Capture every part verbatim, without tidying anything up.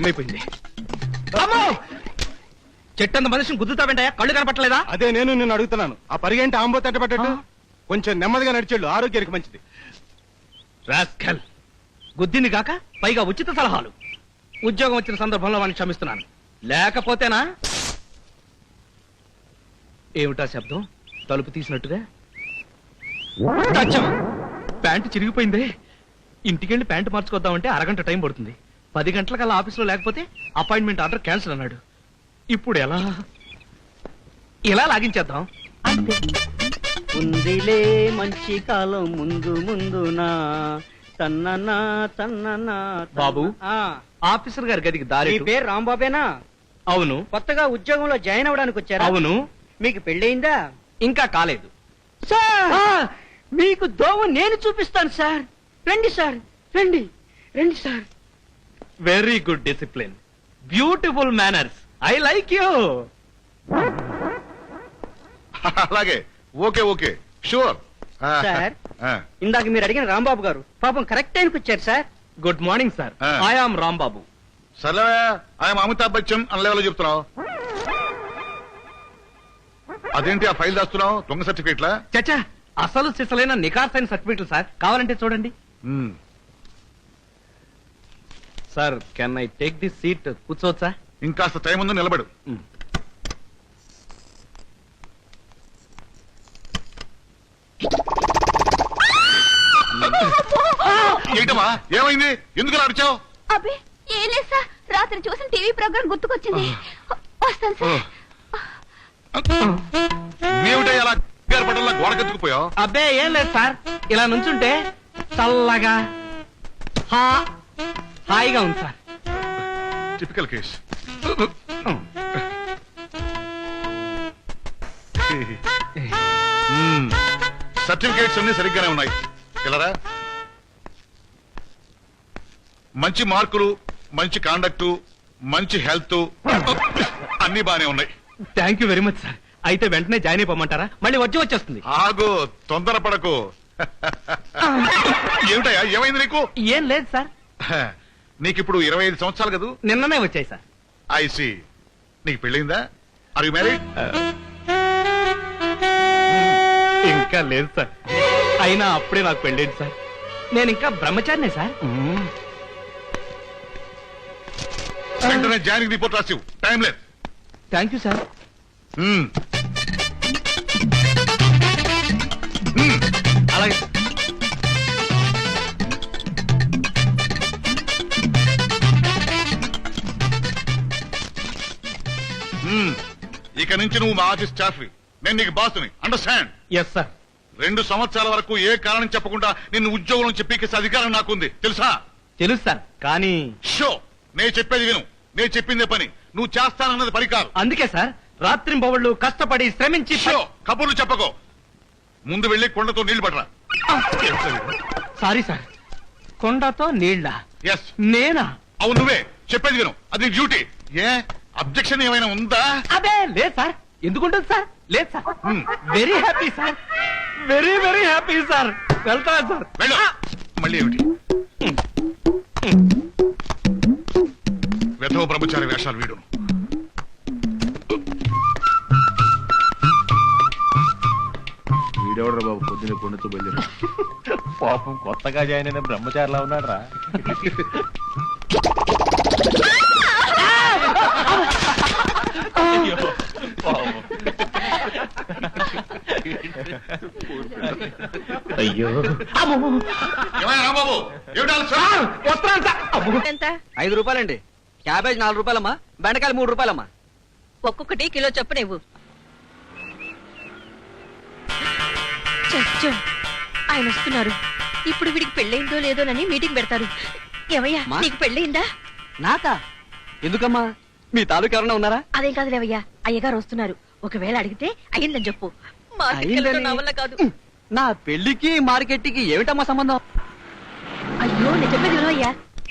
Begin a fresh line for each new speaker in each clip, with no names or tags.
Time అయిపోయింది. చెట్టంత మనిషిని గుద్దుతావేంటయా? కళ్ళు కనపట్టలేదా?
అదే నేను నిన్ను అడుగుతున్నాను. ఆ పరిగెంటి ఆంబో తట్టబట్టట్టు కొంచెం నెమ్మదిగా నడిచేళ్ళు, ఆరోగ్యానికి మంచిది.
రాస్కల్, గుద్దింది కాక పైగా ఉచిత సలహాలు. ఉద్యోగం వచ్చిన సందర్భంలో వాడిని క్షమిస్తున్నాను, లేకపోతేనా? ఏమిటా శబ్దం? తలుపు తీసినట్టుగా. అచ్చం! ప్యాంటు చిరిగిపోయిందే. ఇంటికెళ్ళి ప్యాంటు మార్చుకొద్దామంటే అరగంట టైం పడుతుంది. పది గంటలకల్లా ఆఫీసులో లేకపోతే అపాయింట్మెంట్ ఆర్డర్ క్యాన్సిల్ అన్నాడు. ఇప్పుడు ఎలా? ఇలా లాగించేద్దాం.
ఉందిలే మంచి కాలం ముందు ముందునా తన్ననా తన్ననా.
బాబు,
ఆ,
ఆఫీసర్ గారి గదికి దారి.
మీ పేరు రాంబాబేనా?
అవును.
కొత్తగా ఉద్యోగంలో జాయిన్ అవ్వడానికి వచ్చారా?
అవును.
మీకు పెళ్ళయిందా?
ఇంకా కాలేదు
సార్. మీకు దోవ నేను చూపిస్తాను సార్. రండి సార్, రండి రండి sir.
Very good discipline, beautiful manners. I like you.
అలాగే, ఓకే ఓకే, షూర్.
సార్, ఇందాక మీరు అడిగిన రాంబాబు గారు పాపం కరెక్ట్ టైంకి వచ్చారు sir.
Good morning sir. I am Rambabu.
సర్లే, ఆయన అమితాబ్ బచ్చన్ అన్న లెవెల్లో చెప్తున్నావు. అదేంటి ఆ ఫైల్ దాస్తున్నావు? దొంగ సర్టిఫికేట్లా?
చచ్చా, అసలు సిసలైన నికార్సైన సర్టిఫికెట్లు సార్. కావాలంటే చూడండి. Sir, can I take this seat? కూర్చోవచ్చా?
ఇంకాస్త టైం ఉంది, నిలబడు. ఏంటమ్మా, ఏమైంది? ఎందుకు అరిచావు?
అబ్బే ఏం లేదు సార్, రాత్రి చూసిన టీవీ ప్రోగ్రామ్ గుర్తుకొచ్చింది. వస్తాను సార్.
ఏమిటో అలా పట్టల్లా గోడకెత్తుకుపోయావు?
అబ్బే ఏం లేదు సార్, ఇలా నుంచుంటే చల్లగా హా- హాయిగా ఉంది సార్.
Typical case. సర్టిఫికేట్స్ అన్ని సరిగ్గానే ఉన్నాయి. పిల్లరా, మంచి మార్కులు, మంచి కాండక్టు, మంచి హెల్త్ అన్ని బానే ఉన్నాయి.
Thank you very much sir. అయితే వెంటనే జాయిన్ అయిపోమంటారా? మళ్ళీ వచ్చి వచ్చేస్తుంది.
ఆగు, తొందరపడకు. ఏమిటయ్యా, ఏమైంది నీకు?
ఏం లేదు సార్.
నీకిప్పుడు ఇరవై ఐదు సంవత్సరాలు కదూ?
నిన్ననే వచ్చాయి సార్.
ఐసి, నీకు పెళ్ళిందా? Are you married?
ఇంకా లేదు సార్. అయినా అప్పుడే నాకు పెళ్ళేది సార్. నేను ఇంకా బ్రహ్మచారినే సార్.
వెంటనే జాయినింగ్ రిపోర్ట్ రాసివు, టైం లేదు.
Thank you sir. అలాగే.
ఇక నుంచి నువ్వు మా ఆఫీస్ స్టాఫ్, నేను నీకు బాసుని. అండర్స్టాండ్?
Yes sir.
రెండు సంవత్సరాల వరకు ఏ కారణం చెప్పకుండా నిన్ను ఉద్యోగం నుంచి పీకేసే అధికారం నాకుంది, తెలుసా?
తెలుసు సార్, కానీ
షో, నేను చెప్పేది విను. నేను చెప్పిందే పని, నువ్వు చేస్తానన్నది పని కాదు.
అందుకే సార్ రాత్రింబవళ్ళు కష్టపడి శ్రమించి.
షో, కబుర్లు చెప్పకో. ముందు వెళ్ళి కొండతో నీళ్లు పడరా.
సారీ సార్, కొండతో నీళ్ళ?
ఎస్,
నేనా?
అవును, నువ్వే. చెప్పేది విను, అది డ్యూటీ. ఏ అబ్జెక్షన్ ఏమైనా ఉందా?
అదే లేదు సార్. ఎందుకుంటుంది సార్? లేదు sir. Very happy sir, very very happy sir. వెళ్తా సార్.
వెళ్ళు. మళ్ళీ ఏమిటి వెధవ బ్రహ్మచారి వేషాలు వీడు?
వీడెవడ్రా బాబు పొద్దున్న కొండతో బయలుదేరా? పాపం కొత్తగా జాయిన్ అయిన బ్రహ్మచారిలా ఉన్నాడు రా.
అయ్యో,
ఏమైనా రాంబాబు, ఏమిటి
ఎంత? ఐదు రూపాయలండి. క్యాబేజ్ నాలుగు రూపాయలమ్మా, బెండకాయలు మూడు రూపాయలమ్మా.
ఒక్కొక్కటి కిలో చొప్పున ఇవ్వు. చచ్చో, ఆయన వస్తున్నారు. ఇప్పుడు వీడికి పెళ్ళయిందో లేదోనని మీటింగ్ పెడతారు. ఏమయ్యా, నీకు పెళ్ళయిందా?
నాకా? ఎందుకమ్మా? మీ తాలూకు ఎవరన్నా ఉన్నారా?
అదేం కాదు లేవయ్యా, అయ్యగారు వస్తున్నారు. ఒకవేళ అడిగితే అయ్యిందని చెప్పు. మార్కెట్కి వెళ్ళడం నా వల్ల కాదు.
నా పెళ్లికి మార్కెట్కి ఏమిటమ్మా సంబంధం?
అయ్యో, నేను చెప్పేది వినవయ్యా.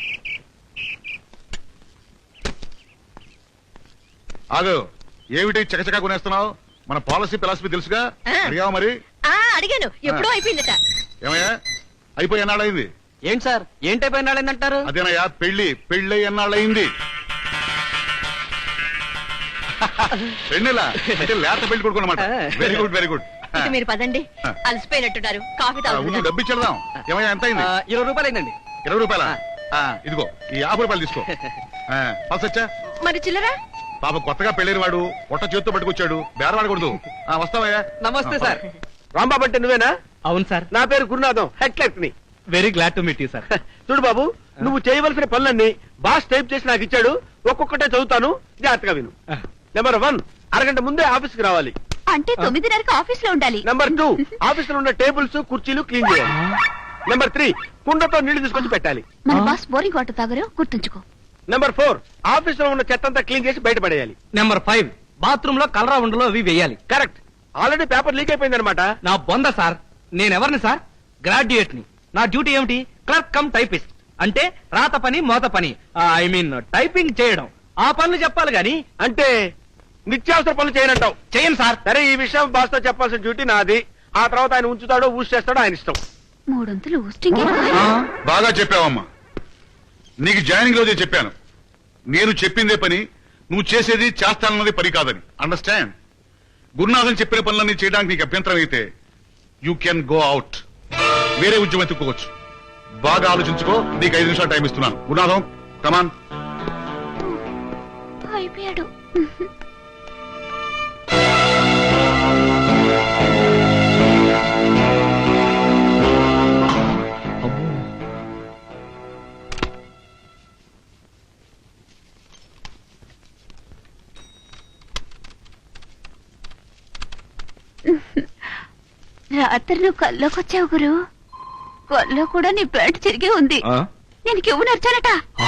ఆగు, ఏమిటి చకచకా కొనేస్తున్నావు? మన పాలసీ ఫిలాసఫీ తెలుసుగా, అడిగావా మరి?
ఆ అడిగాను, ఎప్పుడో అయిపోయిందట.
ఏమయ్యా, అయిపోయి ఎన్నాళ్ళయింది?
ఏంటి సార్, ఏంటైపోయినాళ్ళంటారు?
అదేనయ్యా, పెళ్లి పెళ్ళి ఎన్నాళ్ళయింది? రెండేలా అంటే లేత పెళ్లి కొడుకు అనమాట. Very good very good.
ఇక మీరు పదండి, అలసిపోయినట్టున్నారు. కాఫీ
ముందు
తాగుతున్నారు.
డబ్బు ఇచ్చేద్దాం. ఏమయ్యా ఎంత అయింది?
ఇరవై రూపాయలు అయిందండి.
ఇరవై రూపాయల ఇదిగో ఈ యాభై రూపాయలు తీసుకో. పసొచ్చా
మరి చిల్లరా?
పాప కొత్తగా పెళ్లిన వాడు పొట్ట చేతితో పట్టుకొచ్చాడు, బేరవాడకూడదు. ఆ, వస్తావయ్యా.
నమస్తే సార్. రాంబాబు అంటే నువ్వేనా?
అవును సార్.
నా పేరు గురునాథం, హెడ్ క్లర్క్ ని.
Very glad to meet you sir.
చూడు బాబు, నువ్వు చేయవలసిన పనులన్నీ బాస్ టైప్ చేసి నాకు ఇచ్చాడు. ఒక్కొక్కటే చదువుతాను, జాగ్రత్తగా విను. నెంబర్ వన్, అరగంట ముందే ఆఫీస్ కి రావాలి.
అంటే తొమ్మిదిన్నరకు ఆఫీస్ లో ఉండాలి.
నెంబర్ టూ, ఆఫీస్ లో ఉన్న టేబుల్స్ కుర్చీలు క్లీన్ చేయాలి. నెంబర్ త్రీ, కుండతో నీళ్లు తీసుకొచ్చి పెట్టాలి.
మన బాస్ బోరింగ్ వాటర్ తాగరు, గుర్తుంచుకో.
నెంబర్ ఫోర్, ఆఫీస్ లో ఉన్న చెత్త అంతా క్లీన్ చేసి బయట పడేయాలి.
నెంబర్ ఫైవ్, బాత్రూమ్ లో కలరా ఉండలో అవి వేయాలి.
కరెక్ట్. ఆల్రెడీ పేపర్ లీక్ అయిపోయింది అనమాట.
నా బొంద సార్. నేనెవరిని సార్? గ్రాడ్యుయేట్ ని. నా డ్యూటీ ఏమిటి? Clerk cum typist. అంటే రాత పని మోత పని, ఐ మీన్ టైపింగ్ చేయడం. ఆ పనులు చెప్పాలి గాని
అంటే నిత్యావసర పనులు చేయనంటావు.
చేయను సార్.
సరే, ఈ విషయం బాస్ తో చెప్పాల్సిన డ్యూటీ నాది. ఆ తర్వాత ఆయన ఉంచుతాడో ఊసి చేస్తాడో ఆయన ఇష్టం.
మూడొంతులు ఊస్టింగ్.
బాగా చెప్పావమ్మా. నీకు జాయినింగ్ రోజే చెప్పాను, నేను చెప్పిందే పని, నువ్వు చేసేది చేస్తానన్నది పని కాదని. అండర్స్టాండ్? గురునాథన్ చెప్పిన పనులన్నీ చేయడానికి నీకు అభ్యంతరం అయితే యూ కెన్ గో అవుట్. వేరే ఉద్యోగం ఎత్తుకోవచ్చు. బాగా ఆలోచించుకో. నీకు ఐదు నిమిషాలు టైం ఇస్తున్నాను. గురునాథం, కమాన్.
అయిపోయాడు. రాత్రి నువ్వు కల్లోకి వచ్చావు గురు. కల్లో కూడా నీ ప్యాంట్ చిరిగి ఉంది. నేను కివ్వు నచ్చానట.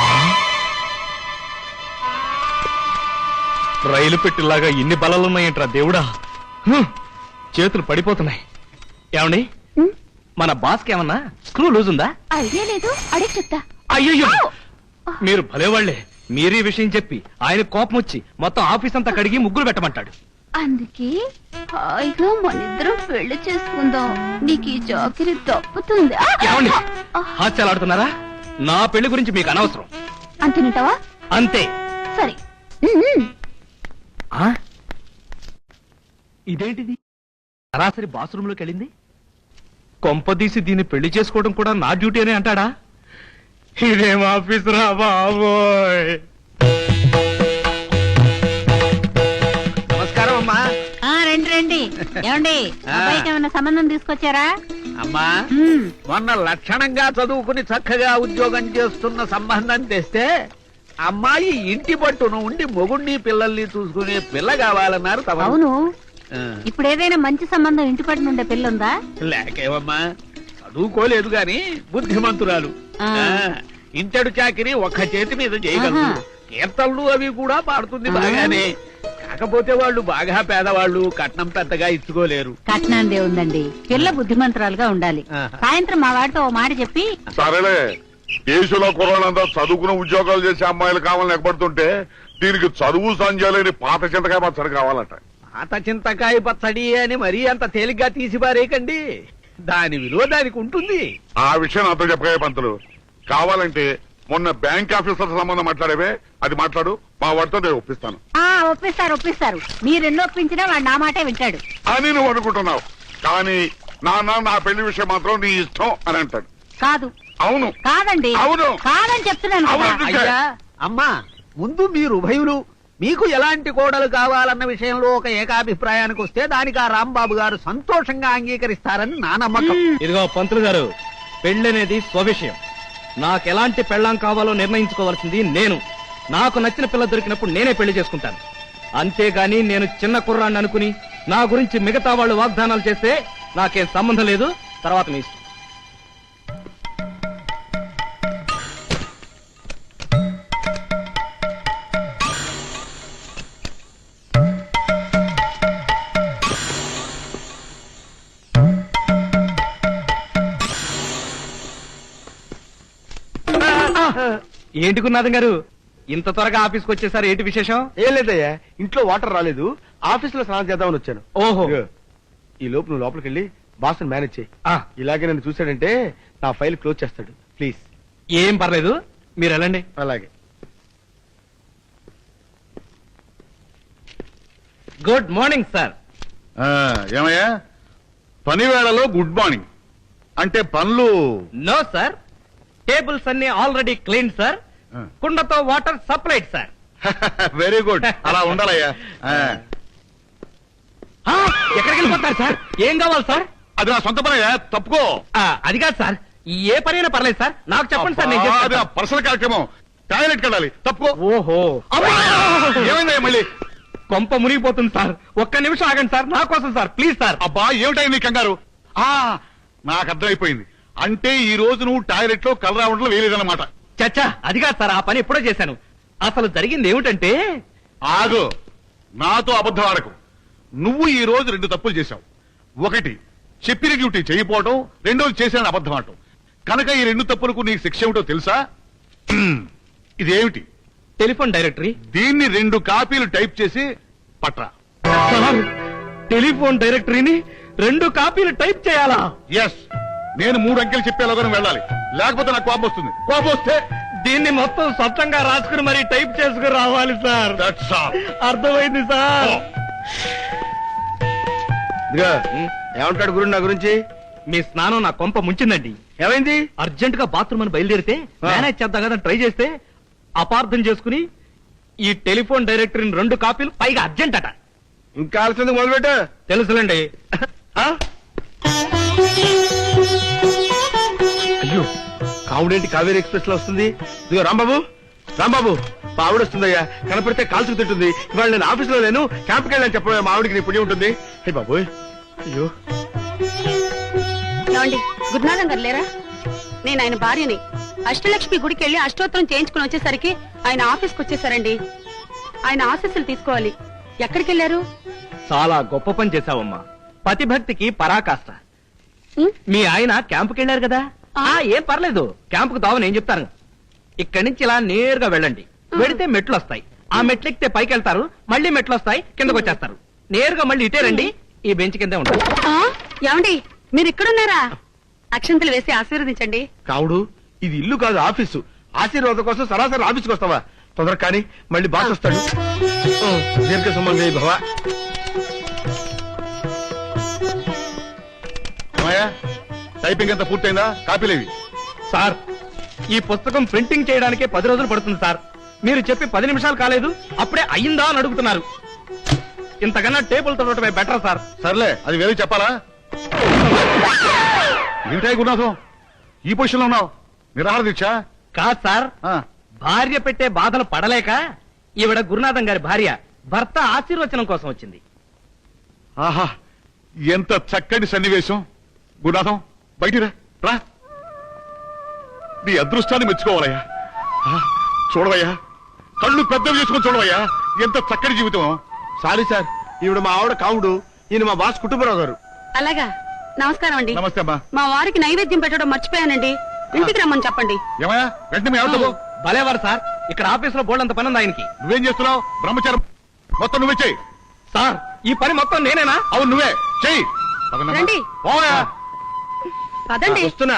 రైలు పెట్టిలాగా ఇన్ని బలాలున్నాయంట్రా దేవుడా. హ్మ్. చేతులు పడిపోతున్నాయి. ఏమండి, మన బాస్ కి ఏమన్నా స్క్రూ లూజ్ ఉందా?
ఐడియా లేదు, అడిగి చెప్తా.
అయ్యో, మీరు భలేవాళ్లే. మీరీ విషయం చెప్పి ఆయన కోపం వచ్చి మొత్తం ఆఫీస్ అంతా కడిగి ముగ్గులు పెట్టమంటాడు.
అందుకే హాయిగా మనిద్దరం పెళ్లి చేసుకుందాం. నీకు ఈ చాకిరి తప్పుతుంది.
ఏమండి, హాస్యాలాడుతున్నారా? నా పెళ్లి గురించి మీకు అనవసరం.
అంతేనంటావా?
అంతే.
సరే.
ఆ? ఇదేంటిది? సరాసరి బాత్రూమ్ లోకి వెళ్ళింది. కొంపదీసి దీన్ని పెళ్లి చేసుకోవడం కూడా నా డ్యూటీ అని అంటాడా? ఇదేం ఆఫీస్ రా బాబోయ్.
నమస్కారం అమ్మా.
రండి రండి. ఏమండి, అబ్బాయికి ఏమైనా సంబంధం తీసుకొచ్చారా?
అమ్మా, మొన్న లక్షణంగా చదువుకుని చక్కగా ఉద్యోగం చేస్తున్న సంబంధం తెస్తే అమ్మాయి ఇంటి పట్టును ఉండి మొగుణ్ణి పిల్లల్ని చూసుకునే పిల్ల కావాలన్నారు. తమరు?
అవును. ఇప్పుడు ఏదైనా మంచి సంబంధం ఇంటి పట్టు నుండే పిల్లుందా?
లేకేవమ్మా, చదువుకోలేదు గాని బుద్ధిమంతురాలు.
ఆ.
ఆ, ఇంటడు చాకిరి ఒక్క చేతి మీద చేయగలదు.
ఆహా.
కీర్తనలు అవి కూడా పాడుతుంది బాగానే. కాకపోతే వాళ్ళు బాగా పేదవాళ్ళు, కట్నం పెద్దగా ఇచ్చుకోలేరు.
కట్నాందే ఉందండి, పిల్ల బుద్ధిమంతురాలుగా ఉండాలి.
ఆహా.
సాయంత్రం మా వాడితో ఓ మాట చెప్పి.
సరేలే, దేశంలో కుర్రాళ్ళంతా చదువుకున్న ఉద్యోగాలు చేసే అమ్మాయిలు కావాలని ఎక్కబడుతుంటే దీనికి చదువు సంజయలేని పాత చింతకాయ పచ్చడి కావాలట.
పాత చింతకాయ పచ్చడి అని మరీ అంత తేలిగ్గా తీసి పారేయకండి. దాని విలువ దానికి ఉంటుంది.
ఆ విషయం నాతో చెప్పగా పంతులు. కావాలంటే మొన్న బ్యాంక్ ఆఫీసర్ సంబంధం మాట్లాడేవే, అది మాట్లాడు. మా వాడితో నేను ఒప్పిస్తాను.
ఆ ఒప్పిస్తారు ఒప్పిస్తారు. మీరెన్నో ఒప్పించినా వాడు నా మాటే వింటాడు.
అని నువ్వు అనుకుంటున్నావు, కానీ నాన్న నా పెళ్లి విషయం మాత్రం నీ ఇష్టం అని అంటాడు.
కాదు.
అవును
కాదండి.
అవును.
కాదని చెప్తున్నాను కదా.
అవును.
అయ్యా, అమ్మా, ముందు మీరు ఉభయులు మీకు ఎలాంటి కోడలు కావాలన్న విషయంలో ఒక ఏకాభిప్రాయానికి వస్తే దానికి ఆ రాంబాబు గారు సంతోషంగా అంగీకరిస్తారని నా నమ్మకం.
ఇదిగో పంతులు గారు, పెళ్ళనేది స్వవిషయం. నాకెలాంటి పెళ్ళాం కావాలో నిర్ణయించుకోవాల్సింది నేను. నాకు నచ్చిన పిల్ల దొరికినప్పుడు నేనే పెళ్లి చేసుకుంటాను. అంతేగాని నేను చిన్న కుర్రాన్ని అనుకుని నా గురించి మిగతా వాళ్ళు వాగ్దానాలు చేస్తే నాకేం సంబంధం లేదు. తర్వాత మీ ఇష్టం. ఏంటి గురునాథం గారు, ఇంత త్వరగా ఆఫీస్కి వచ్చేసారు? ఏంటి విశేషం?
ఏం లేదయ్యా, ఇంట్లో వాటర్ రాలేదు, ఆఫీస్ లో స్నానం చేద్దామని వచ్చాను.
ఓహో.
ఇదిగో, ఈ లోపు నువ్వు లోపలికి వెళ్ళి బాస్ మేనేజ్ చేయి.
ఆ,
ఇలాగే నన్ను చూశాడంటే నా ఫైల్ క్లోజ్ చేస్తాడు. ప్లీజ్.
ఏం పర్లేదు, మీరు వెళ్ళండి.
అలాగే.
Good morning sir.
ఆ, ఏమయ్యా పని వేళలో గుడ్ మార్నింగ్ అంటే పనులు
నో సార్, టేబుల్స్ అన్ని ఆల్రెడీ క్లీన్ సార్.
ఆ.
కుండతో water supplied sir.
Very good, అలా ఉండాలయ్యా. ఆ,
ఆ, ఎక్కడికి వెళ్ళిపోతారు సార్? ఏం కావాలి సార్?
అది నా సొంత పనయ్యా, తప్పుకో.
ఆ, అది కాదు సార్, ఏ పనైనా పర్లేదు సార్, నాకు చెప్పండి సార్, నేను
అబ్బా, అది
చేస్తాను.
నా పర్సనల్ కార్యక్రమం. టాయిలెట్ కడాలి, తప్పుకో.
ఓహో, అమ్మా!
ఏమైందయ్యా మళ్ళీ?
కొంప మునిగిపోతుంది సార్, ఒక్క నిమిషం ఆగండి సార్, నా కోసం సార్, ప్లీజ్ సార్.
అబ్బా ఏమిటాయి నీ కంగారు? ఆ నాకు అర్థమైపోయింది. అంటే ఈ రోజు నువ్వు టాయిలెట్ లో కలరా ఉండలో వేయలేదన్నమాట.
చచ్చా, అది కాదు సార్, ఆ పని ఎప్పుడో చేశాను. అసలు జరిగింది ఏమిటంటే,
ఆగు, నాతో అబద్ధం ఆడకు. నువ్వు ఈ రోజు రెండు తప్పులు చేశావు. ఒకటి చెప్పిన డ్యూటీ చేయకపోవటం, రెండోది చేసిన అబద్ధం ఆడటం. కనుక ఈ రెండు తప్పులకు నీకు శిక్ష ఏమిటో తెలుసా? ఇదేమిటి?
Telephone directory.
దీన్ని రెండు కాపీలు టైప్ చేసి పట్రా.
సార్, టెలిఫోన్ డైరెక్టరీని రెండు కాపీలు టైప్ చేయాలా?
ఎస్, నేను మూడు అంకెలు చెప్పేలాగా నువ్వు వెళ్ళాలి, లేకపోతే నాకు కోపం వస్తుంది. కోపం వస్తే
దీన్ని మొత్తం స్వచ్ఛంగా రాసుకుని మరి టైప్ చేసుకుని రావాలి సార్.
that's all.
అర్థమైంది సార్.
ఓ,
ఇదిగో ఏమంటాడు గురు నా గురించి?
మీ స్నానం నా కొంప ముంచిందండి.
ఏమైంది?
అర్జెంట్ గా బాత్రూమ్ అని బయలుదేరితే
ఆ.
మేనేజ్ చేద్దాం కదా ట్రై చేస్తే అపార్థం చేసుకుని ఈ టెలిఫోన్ డైరెక్టరీని రెండు కాపీలు, పైగా అర్జెంట్ అట.
ఇంకా ఆలస్యం మొదలుపెట్టు.
తెలుసులేండి.
ఆ? అయ్యో, కావుడేంటి కావేరీ ఎక్స్ప్రెస్ లో వస్తుంది? ఇదిగో రాంబాబు, రాంబాబు, మా ఆవిడ వస్తుందయ్యా. కనపడితే కాల్చుకు తింటుంది. ఇవాళ నేను ఆఫీస్ లో లేను, క్యాంప్కి వెళ్ళని చెప్పడం మా ఆవిడకి నీ పుణ్యం ఉంటుంది. హే బాబోయ్, అయ్యో.
ఏమండి, గురునాథం గారు లేరా? నేను ఆయన భార్యని. అష్టలక్ష్మి గుడికి వెళ్ళి అష్టోత్తరం చేయించుకుని వచ్చేసరికి ఆయన ఆఫీస్కి వచ్చేసారండి. ఆయన ఆశీస్సులు తీసుకోవాలి. ఎక్కడికి వెళ్ళారు?
చాలా గొప్ప పని చేశావమ్మా, పతిభక్తికి పరాకాష్ట.
ఉం?
మీ ఆయన క్యాంపుకి వెళ్ళారు కదా?
ఆ.
ఆ, ఏం పర్లేదు, క్యాంపుకు దావ నేను చెప్తాను. ఇక్కడి నుంచి ఇలా నేరుగా వెళ్ళండి. వెడితే మెట్లు వస్తాయి, ఆ మెట్లు ఎక్కితే పైకి వెళ్తారు, మళ్ళీ మెట్లు వస్తాయి, కిందకు వచ్చేస్తారు. నేరుగా మళ్ళీ ఇటే రండి, ఈ బెంచ్ కిందే ఉంటారు.
ఆ? ఏమండి, మీరు ఇక్కడున్నారా? అక్షంతలు వేసి ఆశీర్వదించండి.
కావుడు, ఇది ఇల్లు కాదు ఆఫీసు. ఆశీర్వాదం కోసం సరాసరి ఆఫీస్కి వస్తావా? తొందర కానీ, మళ్ళీ బాస్ వస్తాడు. దీర్ఘ సుమంగళి భవ.
ఏమయ్యా, టైపింగ్ అంతా పూర్తయిందా? కాపీలేవి?
సార్, ఈ పుస్తకం ప్రింటింగ్ చేయడానికే పది రోజులు పడుతుంది సార్. మీరు చెప్పి పది నిమిషాలు కాలేదు, అప్పుడే అయ్యిందా అని అడుగుతున్నారు. ఇంతకన్నా టేబుల్ తొడటమే బెటర్ సార్.
సర్లే, అది వేరే చెప్పాలా? ఏంటాయి గురునాథం, ఈ పొజిషన్ లో ఉన్నావు? నిరాహార దీక్ష?
కాదు సార్,
ఆ,
భార్య పెట్టే బాధలు పడలేక ఈవిడ గురునాథం గారి భార్య భర్త ఆశీర్వచనం కోసం వచ్చింది.
ఆహా, ఎంత చక్కటి సన్నివేశం. గురునాథం, బయటికి రా, రా. నీ అదృష్టాన్ని మెచ్చుకోవాలయ్యా. ఆ, చూడవయ్యా, కళ్ళు పెద్దవి చేసుకొని చూడవయ్యా, ఎంత చక్కటి జీవితం.
సారీ సార్, ఈవిడ మా ఆవిడ కావుడు, ఈయన మా బాస్ కుటుంబరావు గారు.
అలాగా, నమస్కారం అండి.
నమస్తే అమ్మా.
మా వారికి నైవేద్యం పెట్టడం మర్చిపోయానండి. ఇంటికి రమ్మని చెప్పండి.
ఏమయ్యా, వెంటనే మీ ఆవిడతో పో.
భలేవారు సార్, ఇక్కడ ఆఫీస్ లో బోల్డ్ అంత పని ఉంది ఆయనకి.
నువ్వేం చేస్తున్నావు? బ్రహ్మచారం మొత్తం నువ్వే చెయ్యి.
సార్, ఈ పని మొత్తం నేనేనా?
అవును, నువ్వే చెయ్యి. పదనమ్మా.
రండి.
పోయా.
పదండి.
వస్తున్నా.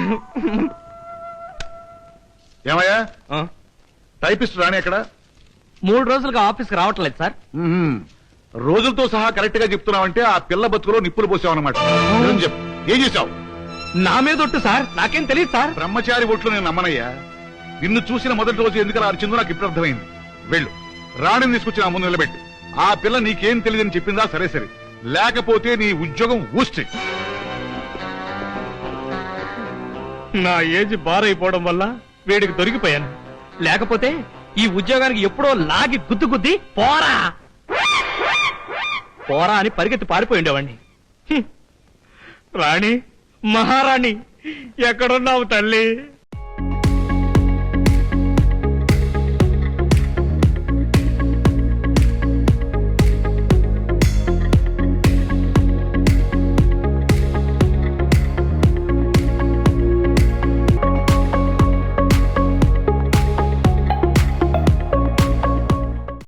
ఏమయ్యా,
ఆ,
టైపిస్ట్ రాని ఎక్కడ?
మూడు రోజులుగా ఆఫీస్కి రావట్లేదు సార్.
మ్మ్. రోజులతో సహా కరెక్ట్ గా చెప్తున్నావంటే ఆ పిల్ల బతుకులో నిప్పులు పోసావు అనమాట. చెప్పు, ఏం చేశావు?
నా మీద ఒట్టు సార్, నాకేం తెలియదు సార్.
బ్రహ్మచారి ఒట్లు నేను నమ్మనయ్యా. నిన్ను చూసిన మొదటి రోజు ఎందుకు అలా అరిచిందో నాకు ఇప్పుడు అర్థమైంది. వెళ్ళు, రాణిని తీసుకొచ్చి నా ముందు నిలబెట్టు. ఆ పిల్ల నీకేం తెలియదని చెప్పిందా? సరే సరే, లేకపోతే నీ ఉద్యోగం ఊస్తే.
నా ఏజ్ బారైపోవడం వల్ల వీడికి దొరికిపోయాను. లేకపోతే ఈ ఉద్యోగానికి ఎప్పుడో లాగి గుద్దు గుద్ది పోరా పోరా అని పరిగెత్తి పారిపోయి ఉండేవాణ్ణి. హ్మ్. రాణి, మహారాణి, ఎక్కడున్నావు తల్లి?